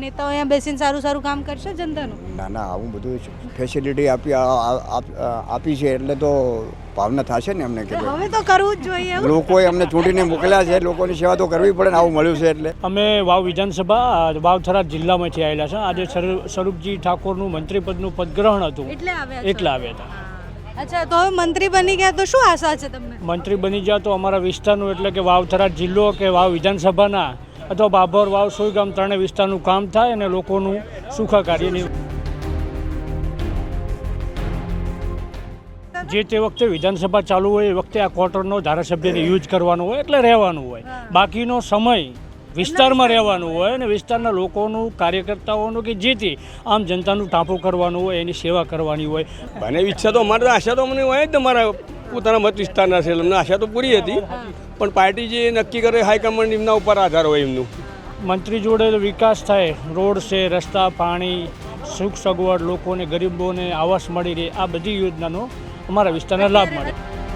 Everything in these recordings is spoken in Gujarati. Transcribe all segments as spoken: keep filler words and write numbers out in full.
નેતાઓ અહીંયા બેસીને સારું સારું કામ કરશે જનતાનું? ના ના, આવું બધું ફેસિલિટી આપી આપી છે એટલે તો ભાવના થશે ને અમને કે હવે તો કરવું જ જોઈએ એવું. લોકોએ અમને ચૂંટીને મોકલ્યા છે, લોકોની સેવા તો કરવી પડે ને, આવું મળ્યું છે એટલે. અમે વાવ વિધાનસભા વાવ થરાદ જિલ્લામાંથી આવેલા છે. આજે સ્વરૂપજી ઠાકોરનું મંત્રીપદનું પદગ્રહણ હતું એટલે આવ્યા છો? એટલે આવ્યા હતા. અચ્છા, તો હવે મંત્રી બની ગયા તો શું આશા છે તમને? મંત્રી બની ગયા તો અમારા વિસ્તારનું એટલે કે વાવ થરાદ જિલ્લો કે વાવ વિધાનસભાના અથવા બાબર વાવ સોયગામ ત્રણેય વિસ્તારનું કામ થાય અને લોકોનું સુખાકારીની જે તે વખતે વિધાનસભા ચાલુ હોય એ વખતે આ ક્વાર્ટરનો ધારાસભ્યને યુઝ કરવાનો હોય એટલે રહેવાનું હોય. બાકીનો સમય વિસ્તારમાં રહેવાનું હોય અને વિસ્તારના લોકોનું કાર્યકર્તાઓનું કે જે તે આમ જનતાનું ટાંપો કરવાનું હોય, એની સેવા કરવાની હોય. મને ઈચ્છા તો અમારે આશા તો મને હોય જ ને, મારા પોતાના મત વિસ્તારના છે, અમને આશા તો પૂરી હતી, પણ પાર્ટી જે નક્કી કરે હાઈકમાન્ડ એમના ઉપર આધાર હોય એમનું. મંત્રી જોડે વિકાસ થાય, રોડ છે, રસ્તા, પાણી, સુખ સગવડ, લોકોને ગરીબોને આવાસ મળી રહે, આ બધી યોજનાનો અમારા વિસ્તારને લાભ મળે.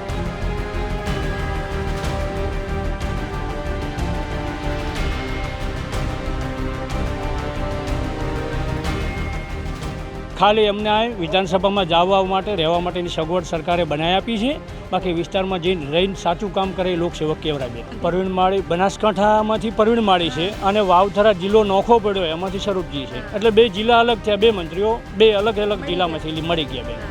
ખાલી અમને આ વિધાનસભામાં જવા માટે રહેવા માટેની સગવડ સરકારે બનાવી આપી છે. બાકી વિસ્તારમાં જઈને રહીને સાચું કામ કરે એ લોકસેવક કેવરાબેન. પરવીણ માળી બનાસકાંઠામાંથી પરવીણ માળી છે અને વાવથરા જિલ્લો નોખો પડ્યો એમાંથી સ્વરૂપજી છે. એટલે બે જિલ્લા અલગ થયા, બે મંત્રીઓ બે અલગ અલગ જિલ્લામાંથી મળી ગયા બે.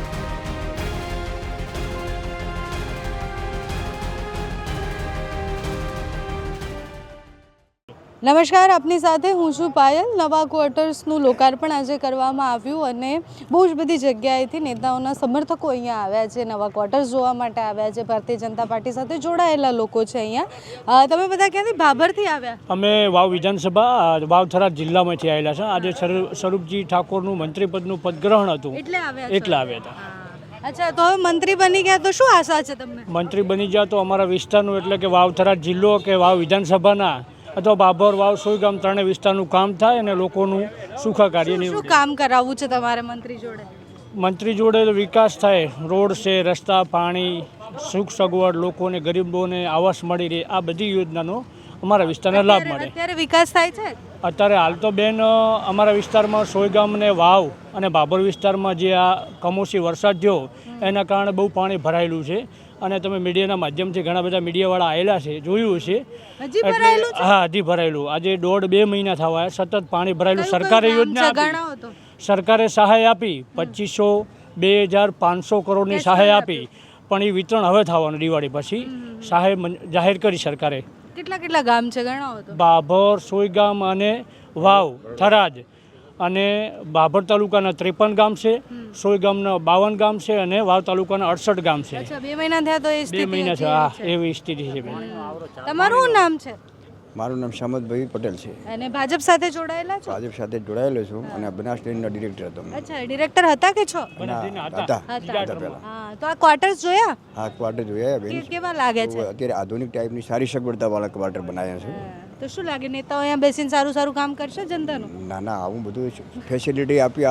નમસ્કાર, આપની સાથે હું છું પાયલ. નવા ક્વાર્ટર્સનું લોકાર્પણ આજે કરવામાં આવ્યું અને બહુ જ બધી જગ્યાએથી નેતાઓના સમર્થકો અહીંયા આવ્યા છે, નવા ક્વાર્ટર્સ જોવા માટે આવ્યા છે. ભારતીય જનતા પાર્ટી સાથે જોડાયેલા લોકો છે અહીંયા. તમે બધા ક્યાંથી? ભાભરથી આવ્યા? અમે વાવ વિધાનસભા વાવ થરાદ જિલ્લામાંથી આવેલા છે. આજે સ્વરૂપજી ઠાકોરનું મંત્રીપદનું પદગ્રહણ હતું એટલે આવ્યા એટલે આવ્યા હતા. અચ્છા, તો હવે મંત્રી બની ગયા તો શું આશા છે તમને? મંત્રી બની ગયા તો અમારા વિસ્તારનું એટલે કે વાવ થરાદ જિલ્લો કે વાવ વિધાનસભાના અથવા બાબર વાવ સોયગામ ત્રણેય વિસ્તારનું કામ થાય અને લોકોનું સુખાકારીની શું કામ કરાવવું છે તમારે મંત્રી જોડે? મંત્રી જોડે વિકાસ થાય, રોડ છે, રસ્તા, પાણી, સુખ સગવડ, લોકોને ગરીબોને આવાસ મળી રહે, આ બધી યોજનાનો અમારા વિસ્તારને લાભ મળે. અત્યારે વિકાસ થાય છે? અત્યારે હાલ તો બેન અમારા વિસ્તારમાં સોયગામ ને વાવ અને બાબર વિસ્તારમાં જે આ કમોસમી વરસાદ થયો એના કારણે બહુ પાણી ભરાયેલું છે અને તમે મીડિયાના માધ્યમથી ઘણા બધા મીડિયાવાળા આવેલા છે, જોયું છે. હજી ભરાયેલું છે? હા, હજી ભરાયેલું. આજે દોઢ બે મહિના થવા સતત પાણી ભરાયેલું. સરકારે યોજના આપી, સરકારે સહાય આપી પચીસો બે હજાર પાંચસો કરોડની સહાય આપી, પણ એ વિતરણ હવે થવાનું દિવાળી પછી. સહાય જાહેર કરી સરકારે. કેટલા કેટલા ગામ છે ગણાવો તો? બાભર, સોયગામ અને વાવ થરાદ અને બાભર તાલુકાના ત્રેપન ગામ છે, સોયગામના બાવન ગામ છે અને વાવ તાલુકાના અડસઠ ગામ છે. બે મહિના થયા તો એ બે મહિના છે. હા, એવી સ્થિતિ છે બેન. તમારું નામ છે? મારું નામ શામતભાઈ પટેલ છે અને ભાજપ સાથે જોડાયેલા છો? ભાજપ સાથે જોડાયેલો છું અને બનાસ ડેરીના ડિરેક્ટર હતો. અચ્છા, ડિરેક્ટર હતા કે છો? હતા પહેલા. હા, તો આ ક્વાર્ટર્સ જોયા? આ ક્વાર્ટર જોયા બેન, કેવા લાગે છે? અત્યારે આધુનિક ટાઈપની સારી સગવડતા વાળા ક્વાર્ટર બનાવ્યા છે. તો શું લાગે, નેતાઓ અહીંયા બેસીને સારું સારું કામ કરશે જનતાનું? ના ના, આવું બધું ફેસિલિટી આપી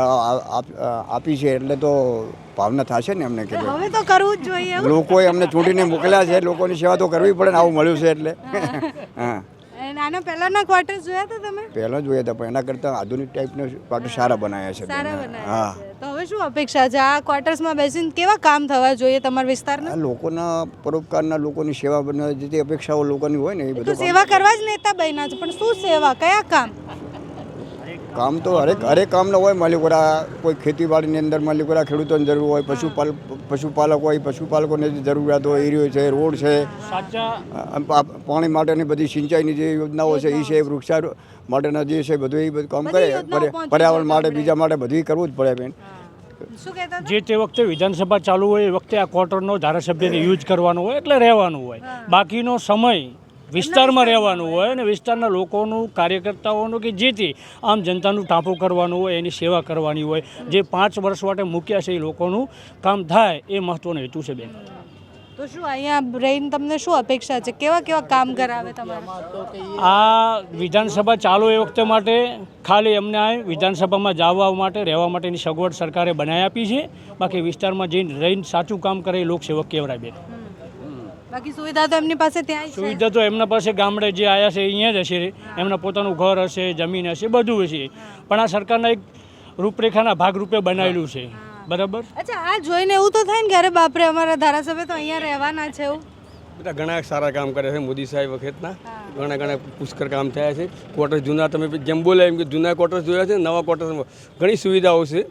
આપી છે એટલે તો ભાવના થશે ને અમને કે હવે તો કરવું જ જોઈએ. લોકોએ અમને ચૂંટીને મોકલ્યા છે, લોકોની સેવા તો કરવી પડે ને, આવું મળ્યું છે એટલે. હા, આના પહેલાના ક્વાર્ટર્સ જોયા હતા તમે? પહેલા જોયા હતા, પણ એના કરતાં આધુનિક ટાઈપના ક્વાર્ટર સારા બનાવ્યા છે. સારા બનાવ્યા છે. તો હવે શું અપેક્ષા છે આ ક્વાર્ટર્સમાં બેસીને? કેવા કામ થવા જોઈએ તમારા વિસ્તારના? લોકોના પરોપકારના, લોકોની સેવા બનવા જે તે અપેક્ષાઓ લોકોની હોય ને એ બધું સેવા કરવા જ નેતા બન્યા છે, પણ શું સેવા, કયા કામ? કામ તો હરેક હરેક કામના હોય. માલિકોરા કોઈ ખેતીવાડીની અંદર માલિકોરા ખેડૂતોની જરૂર હોય, પશુપાલ પશુપાલક હોય, પશુપાલકોને જે જરૂરિયાત હોય એ રહ્યો છે, રોડ છે, પાણી માટેની બધી સિંચાઈની જે યોજનાઓ છે એ છે, વૃક્ષાર માટેના જે છે બધું એ બધું કામ કરે. પર્યાવરણ માટે, બીજા માટે બધું કરવું જ પડે બેન. જે તે વખતે વિધાનસભા ચાલુ હોય એ વખતે આ ક્વાર્ટરનો ધારાસભ્યને યુઝ કરવાનો હોય એટલે રહેવાનું હોય. બાકીનો સમય વિસ્તારમાં રહેવાનું હોય અને વિસ્તારના લોકોનું, કાર્યકર્તાઓનું કે જે તે આમ જનતાનું ટાંપો કરવાનું હોય, એની સેવા કરવાની હોય. જે પાંચ વર્ષ માટે મૂક્યા છે એ લોકોનું કામ થાય એ મહત્વનો હેતુ છે બેન. તો શું અહીંયા રહીને તમને શું અપેક્ષા છે? કેવા કેવા કામ કરાવે તમારે? આ વિધાનસભા ચાલુ એ વખતે માટે ખાલી અમને આ વિધાનસભામાં જવા માટે રહેવા માટેની સગવડ સરકારે બનાવી આપી છે. બાકી વિસ્તારમાં જઈને રહીને સાચું કામ કરે એ લોકસેવક કેવરાબેન. બાકી સુવિધા તો એમની પાસે ત્યાં જ છે. સુવિધા તો એમના પાસે ગામડે જે આવ્યા છે અહીંયા જ હશે, એમના પોતાનું ઘર હશે, જમીન હશે, બધું હશે, પણ આ સરકારના એક રૂપરેખાના ભાગરૂપે બનાવેલું છે. બરાબર. અચ્છા, આ જોઈને એવું તો થાય ને કે અરે બાપરે અમારા ધારાસભ્ય તો અહીંયા રહેવાના છે એવું. બધા ઘણા સારા કામ કરે છે મોદી સાહેબ વખતના, ઘણા ઘણા પુષ્કળ કામ થયા છે. ક્વાર્ટર્સ જૂના તમે જેમ બોલે એમ કે જૂના ક્વાર્ટર્સ જોયા છે, નવા ક્વાર્ટર્સમાં ઘણી સુવિધાઓ છે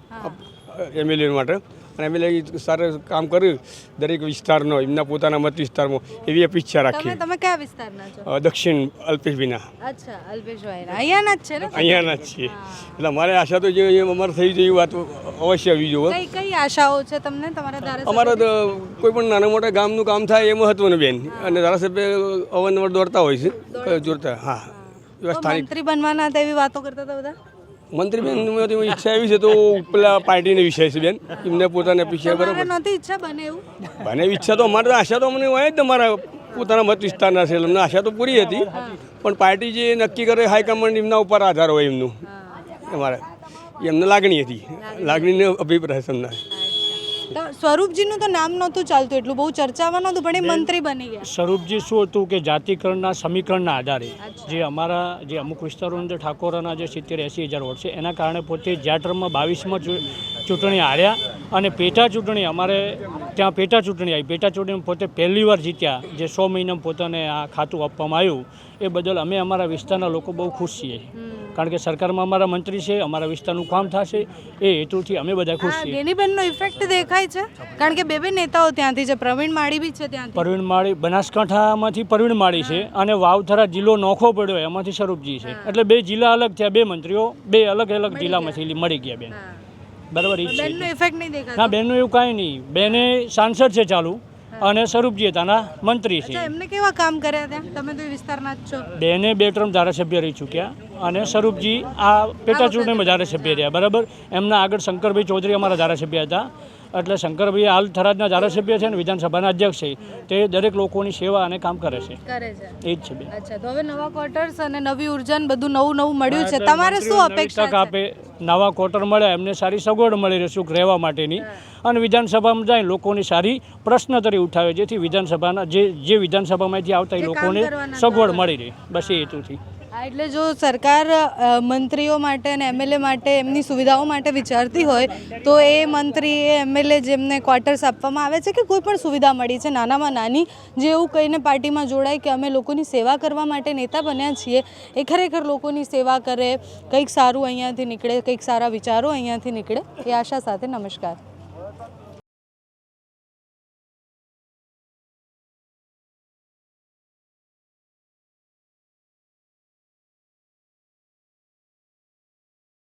એમએલએ માટે, અને એમએલએ સારું કામ કર્યું દરેક વિસ્તારનો, એમના પોતાના મત વિસ્તારમાં, એવી અપેક્ષા તમે રાખીએ. તમે કયા વિસ્તારના છો? દક્ષિણ અલ્પેશભાઈના, અચ્છા, અલ્પેશભાઈના અહીંયાના જ છે ને? અહીંયાના જ છીએ. એટલે અમારે આશા તો જે અમારે થઈ જાય એવી વાત અવશ્ય આવી જોવે. કઈ કઈ આશાઓ છે તમને તમારા ધારાસભ્ય? અમારા તો કોઈ પણ નાના મોટા ગામનું કામ થાય એ મહત્વનું બેન, અને ધારાસભ્ય અવારનવાર દોડતા હોય છે, જોડતા. હા, એવા તો સ્થાનિક મંત્રી બનવાના હતા એવી વાતો કરતા હતા બધા. મંત્રી બેન ઈચ્છા એવી છે તો પેલા પાર્ટીનો વિષય છે બેન, એમને પોતાને અપેક્ષા તમારે બરાબર. નથી ઈચ્છા બને એવું? બને ઈચ્છા તો અમારે તો આશા તો અમને હોય જ, અમારા પોતાના મત વિસ્તારના છે, અમને આશા તો પૂરી હતી, પણ પાર્ટી જે નક્કી કરે હાઈકમાન્ડ એમના ઉપર આધાર હોય એમનું. અમારે એમને લાગણી હતી, લાગણીનો અભિપ્રાય છે એમના. તો સ્વરૂપજીનું તો નામ નહોતું ચાલતું એટલું, બહુ ચર્ચામાં નહોતું, પણ એ મંત્રી બની ગયા. સ્વરૂપજી શું હતું કે જાતિકરણના સમીકરણના આધારે જે અમારા જે અમુક વિસ્તારોની અંદર ઠાકોરના જે સિત્તેર એંસી હજાર વોટ છે, એના કારણે પોતે જ્યાં ટર્મમાં બાવીસમાં ચૂંટણી હાર્યા, અને પેટા ચૂંટણી અમારે ત્યાં પેટા ચૂંટણી આવી, પેટા ચૂંટણીમાં પોતે પહેલી વાર જીત્યા, જે સો મહિનામાં પોતાને આ ખાતું આપવામાં આવ્યું, એ બદલ અમે અમારા વિસ્તારના લોકો બહુ ખુશ છીએ, કારણ કે સરકારમાં અમારા મંત્રી છે, અમારા વિસ્તારનું કામ થશે એ હેતુથી અમે બધા ખુશ છીએ. ગેનીબેનનો ઇફેક્ટ દેખાય છે, કારણ કે બે બે નેતાઓ ત્યાંથી છે, પ્રવીણ માળી બી છે ત્યાંથી. પરવીણ માળી બનાસકાંઠામાંથી પરવીણ માળી છે, અને વાવથરા જિલ્લો નોખો પડ્યો એમાંથી સ્વરૂપજી છે, એટલે બે જિલ્લા અલગ થયા, બે મંત્રીઓ બે અલગ અલગ જિલ્લામાંથી મળી ગયા બેન. બરાબર. ઈ બેનનો છે. ઇફેક્ટ નહીં દેખાતો? ના, બેનનું એવું કાંઈ નહીં, બેને સાંસદ છે ચાલુ, અને સ્વરૂપજી તાના મંત્રી છે. અચ્છા, એમને કેવા કામ કર્યા ત્યાં? તમે તો એ વિસ્તારના જ છો. બેને બે ટર્મ ધારાસભ્ય રહી ચૂક્યા, અને સ્વરૂપજી આ પેટા ચૂંટણીમાં ધારાસભ્ય રહ્યા. બરાબર. એમના આગળ શંકરભાઈ ચૌધરી અમારા ધારાસભ્ય હતા, એટલે શંકરભાઈ હાલ થરાદના ધારાસભ્ય છે અને વિધાનસભાના અધ્યક્ષ છે, તે દરેક લોકોની સેવા અને કામ કરે છે. કરે છે. એ જ છે બેન. અચ્છા, તો હવે નવા ક્વાર્ટર્સ અને નવી ઉર્જા ને બધું નવું નવું મળ્યું છે, તમારે શું અપેક્ષા તક આપે, નવા ક્વાર્ટર મળે, એમને સારી સગવડ મળી રહે સુખ રહેવા માટેની, અને વિધાનસભામાં જાય લોકોની સારી પ્રશ્નોત્તરી ઉઠાવે, જેથી વિધાનસભાના જે જે વિધાનસભામાંથી આવતા એ લોકોને સગવડ મળી રહે, બસ એ હેતુથી. હા, એટલે જો સરકાર અ, મંત્રીઓ માટે અને એમએલએ માટે એમની સુવિધાઓ માટે વિચારતી હોય તો એ મંત્રી એ એમએલએ જેમને ક્વાર્ટર્સ આપવામાં આવે છે કે કોઈ પણ સુવિધા મળી છે નાનામાં નાની, જે એવું કહીને પાર્ટીમાં જોડાય કે અમે લોકોની સેવા કરવા માટે નેતા બન્યા છીએ, એ ખરેખર લોકોની સેવા કરે, કંઈક સારું અહીંયાથી નીકળે, કંઈક સારા વિચારો અહીંયાથી નીકળે, એ આશા સાથે નમસ્કાર.